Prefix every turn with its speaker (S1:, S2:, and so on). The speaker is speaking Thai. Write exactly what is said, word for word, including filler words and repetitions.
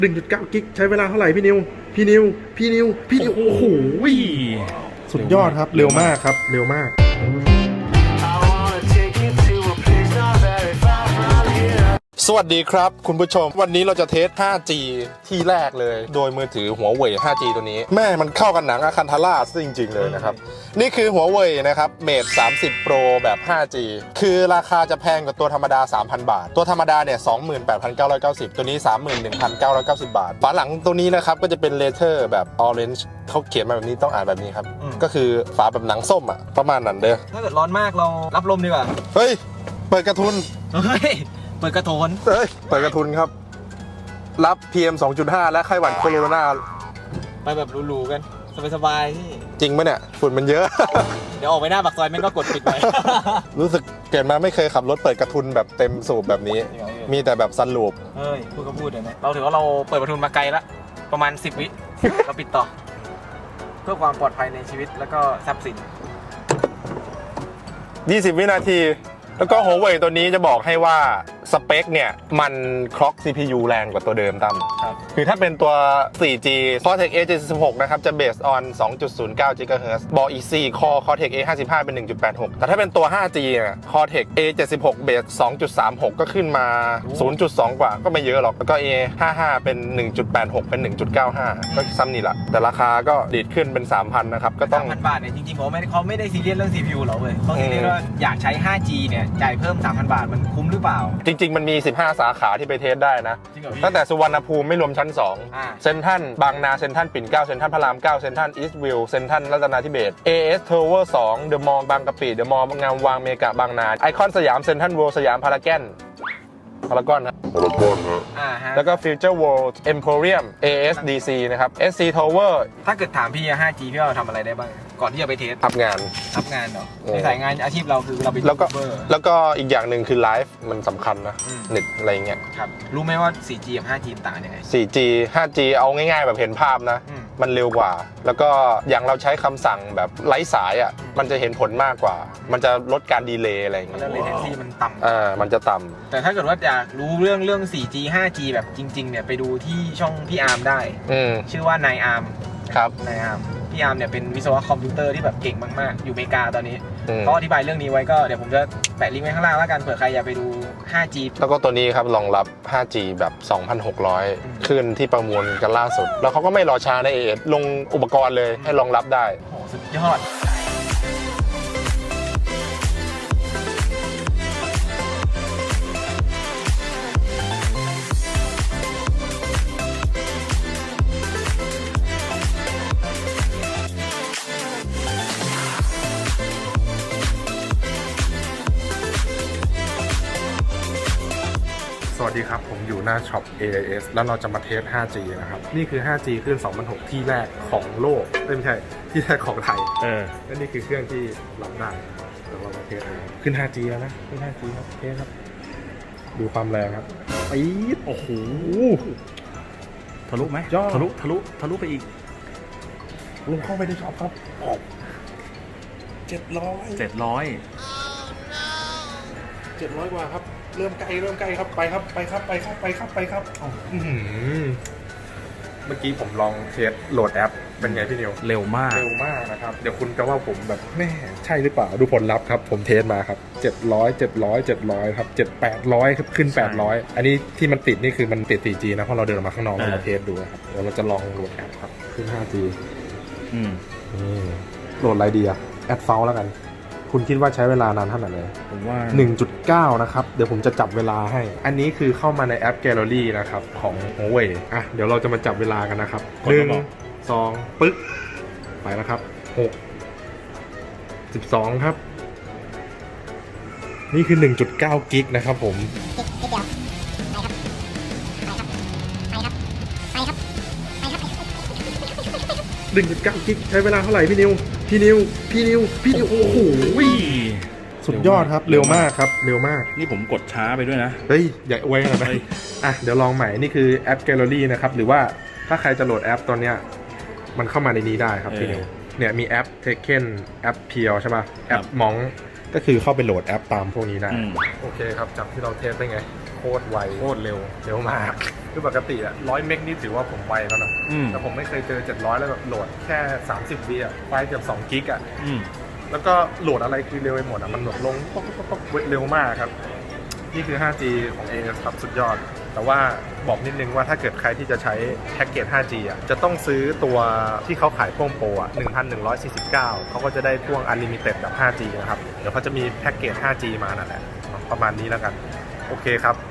S1: หนึ่งจุดเก้า กิกใช้เวลาเท่าไหร่พี่นิวพี่นิวพี่นิวพี่นิวโอ้โหสุดยอดครับเร็วมากครับเร็วมากสวัสดีครับคุณผู้ชมวันนี้เราจะเทส ห้าจี ที่แรกเลยโดยมือถือหัวเว่ย ห้าจี ตัวนี้แม่มันเข้ากันหนังอาคันทาร่าซะจริงๆเลยนะครับนี่คือหัวเว่ยนะครับเมทสามสิบ Pro แบบ ห้าจี คือราคาจะแพงกว่าตัวธรรมดา สามพัน บาทตัวธรรมดาเนี่ย สองหมื่นแปดพันเก้าร้อยเก้าสิบ ตัวนี้ สามหมื่นหนึ่งพันเก้าร้อยเก้าสิบ บาทฝาหลังตัวนี้นะครับก็จะเป็นเลเทอร์แบบ Orange เขาเขียนมาแบบนี้ต้องอ่านแบบนี้ครับก็คือฝาแบบหนังส้มอ่ะประมาณนั้นเด้อ
S2: ถ้าเกิดร้อนมากเรารับลมดีกว่า
S1: เฮ้ยเปิดกระทุน
S2: เฮ้ยเปิดกระโถน
S1: เฮ้ยเปิดกระทุนครับรับ พี เอ็ม สองจุดห้า และไข้หวัดโคโรนา
S2: ไปแบบหรูๆกันสบายๆที่
S1: จริงไหมเนี่ยฝุ่นมันเยอะ
S2: เดี๋ยวออกไปหน้าปากซอยแม่งก็กดปิดไป
S1: รู้สึกเกิดมาไม่เคยขับรถเปิดกระทุนแบบเต็มสูบแบบนี้มีแต่แบบซันลูป
S2: เฮ้ยพูดก็พูดเลยนะเราถือว่าเราเปิดกระทุนมาไกลละประมาณสิบวิเราปิดต่อเพื่อความปลอดภัยในชีวิตแล้วก็ทรัพย์สิน
S1: ยี่สิบวินาทีแล้วก็หัวเว่ยตัวนี้จะบอกให้ว่าสเปคเนี่ยมันคล็อก ซี พี ยู แรงกว่าตัวเดิมตั้มคือถ้าเป็นตัว โฟร์จี Cortex เอ เจ็ดสิบหก นะครับจะ based on สองจุดศูนย์เก้า กิกะเฮิรตซ์ บอกอีก สี่ Core Cortex เอ ห้าสิบห้า เป็น หนึ่งจุดแปดหก แต่ถ้าเป็นตัว ห้าจี เนี่ย Cortex เอ เจ็ดสิบหก base สองจุดสามหก ก็ขึ้นมา ศูนย์จุดสอง กว่าก็ไม่เยอะหรอกแล้วก็ เอ ห้าสิบห้า เป็น หนึ่งจุดแปดหก เป็น หนึ่งจุดเก้าห้า ก็ซ้ำนี่แหละแต่ราคาก็ดีดขึ้นเป็น สามพัน นะครับก็ต้อง
S2: สามพัน บาทเนี่ยจริงๆผมไม่เขาไม่ได้ซีเรียสเรื่อง ซี พี ยู หรอกเว้ยเขาซีเรียสว่าอยากใช้ ห้าจี เนี่ยจ่ายเพิ่ม สามพัน บาทมันคุ้มหรือเปล่า
S1: จริงๆมันมีสิบห้าสาขาที่ไปเทสได้นะตั้งแต่สุวรรณภูมิไม่รวมชั้นสองเซ็นทรัลบางนาเซ็นทรัลปิ่นเกล้าเซ็นทรัลพระรามเก้าเซ็นทรัลอีสต์วิวเซ็นทรัลรัตนาธิเบศร์ เอ เอส Tower สองเดอะมอลล์บางกะปิเดอะมอลล์งามวางเมกะบางนาไอคอนสยามเซ็นทรัลเวิลด์สยามพารากอนพารากอนนะพารากอนนะแล้วก็ฟิวเจอร์เวิลด์เอ็มโพเรียม เอ เอส ดี ซี นะครับ เอส ซี Tower
S2: ถ้าเกิดถามพี่ ห้าจี พี่ว่าเราทำอะไรได้บ้างก่อนที่จะไปเทส
S1: ทำงาน
S2: ทำงานเนาะในสายงานอาชีพเราคือเราเป็น
S1: แล้วก็แล้วก็อีกอย่างหนึ่งคือไลฟ์มันสำคัญนะเน็ตอะไรเงี้ย
S2: ครับรู้ไหมว่า โฟร์จี กับ ห้าจี ต่างยังไง
S1: โฟร์จี ห้าจี เอาง่ายๆแบบเห็นภาพนะมันเร็วกว่าแล้วก็อย่างเราใช้คำสั่งแบบไร้สายอ่ะมันจะเห็นผลมากกว่ามันจะลดการดีเลย์อะไรเงี้ย
S2: แล้ว latency มันต่ำ
S1: อ่ามันจะต่ำ
S2: แต่ถ้าเกิดว่าอยากรู้เรื่องเรื่อง โฟร์จี ห้าจี แบบจริงๆเนี่ยไปดูที่ช่องพี่อาร์มได้ชื่อว่านายอาร์ม
S1: ครับ
S2: นายอาร์มพี่อาร์มเนี่ยเป็นวิศวะคอมพิวเตอร์ที่แบบเก่งมากๆอยู่อเมริกาตอนนี้เขาอธิบายเรื่องนี้ไว้ก็เดี๋ยวผมจะแปะลิงก์ไว้ข้างล่างแล้วกันเผื่อใครอยากไปดู ห้าจี
S1: แล้วก็ตัวนี้ครับรองรับ ห้าจี แบบ สองพันหกร้อย ขึ้นที่ประมวลกันล่าสุดแล้วเขาก็ไม่รอช้าในเอเอลงอุปกรณ์เลยให้รองรับได้
S2: โอ้สุดยอด
S1: สวัสดีครับผมอยู่หน้าช็อป เอ ไอ เอส แล้วเราจะมาเทส ห้าจี นะครับนี่คือ ห้าจี ขึ้น สองพันหก ที่แรกของโลกไม่ใช่ที่แรกของไทยเออและนี่คือเครื่องที่รับได้เดี๋ยวเรามาเทสเลยขึ้น ห้าจี แล้วนะขึ้น ห้าจี ครับเทสครับดูความแรงครับปี๊ดโอ้โห
S3: ทะลุไหมทะลุทะลุทะลุไปอีก
S1: ลงเข้าไปในช็อปครับเจ็ดร้อย
S3: เจ็ดร้อย
S1: เจ็ดร้อยกว่าครับเริ่มใกล้เริ่มใกล้ครับไปครับไปครับไปครับไปครับไปครับเมื่อกี้ผมลองเทสโหลดแอปเป็นไงพี่นิว
S3: เร็วมาก
S1: เร็วมากนะครับเดี๋ยวคุณจะว่าผมแบบแม่ใช่หรือเปล่าดูผลลัพธ์ครับผมเทสมาครับเจ็ดร้อย เจ็ดร้อย เจ็ดร้อยครับเจ็ด แปดร้อยครับขึ้นแปดร้อยอันนี้ที่มันติดนี่คือมันติด โฟร์จี นะเพราะเราเดินออกมาข้างนอกเราเทสดูครับเดี๋ยวเราจะลองโหลดแอปครับขึ้น ห้าจี
S3: อืม
S1: โหลดอะไรดีอะแอดเฟลแล้วกันคุณคิดว่าใช้เวลานานเท่าไหร่เลย
S3: ผมว่า
S1: หนึ่งจุดเก้า นะครับเดี๋ยวผมจะจับเวลาให้อันนี้คือเข้ามาในแอป Gallery นะครับของ Huawei อ่ะเดี๋ยวเราจะมาจับเวลากันนะครับหนึ่ง สองปึ๊กไปแล้วครับหก สิบสองครับนี่คือ หนึ่งจุดเก้า กิกนะครับผมหนึ่งจุดเก้า กิกใช้เวลาเท่าไหร่พี่นิวพี่นิวพี่นิวพี่นิวโอ้โหสุดยอดครับเร็วมากครับเร็วมาก
S3: นี่ผมกดช้าไปด้วยนะ
S1: เฮ้ยอย่าอวยขนาดนั้นอ่ะเดี๋ยวลองใหม่นี่คือแอป Gallery นะครับหรือว่าถ้าใครจะโหลดแอปตอนเนี้ยมันเข้ามาในนี้ได้ครับพี่นิวเนี่ยมีแอป Taken แอป เพียว ใช่ป่ะแอป มอง ก็คือเข้าไปโหลดแอปตามพวกนี้ได้โอเคครับจากที่เราเทสได้ไงโคตรไว
S3: โคตรเร็ว
S1: เร็วมาก
S4: คือปกติอะร้อยเมกนี่ถือว่าผมไวแล้วนะ
S3: อืม
S4: แต่ผมไม่เคยเจอเจ็ดร้อยแล้วแบบโหลดแค่สามสิบวิอะไฟล์เกือบสองกิกอะ
S3: อืม
S4: แล้วก็โหลดอะไรคือเร็วไปหมดอะมันแบบลงป๊อกป๊อกป๊อกป๊อกเร็วมากครับ นี่คือ ไฟว์จี ของ เอ เอส ครับสุดยอด แต่ว่าบอกนิดนึงว่าถ้าเกิดใครที่จะใช้แพ็กเกจ ไฟว์จี อ่ะ จะต้องซื้อตัวที่เขาขายพ่วงโปรอ่ะ หนึ่งพันหนึ่งร้อยสี่สิบเก้า เขาก็จะได้พ่วง Unlimited แบบ ไฟว์จี นะครับ เดี๋ยวเขาจะมีแพ็กเกจ ไฟว์จี มานั่นแหละ ประมาณนี้แล้วกัน โอเคครับ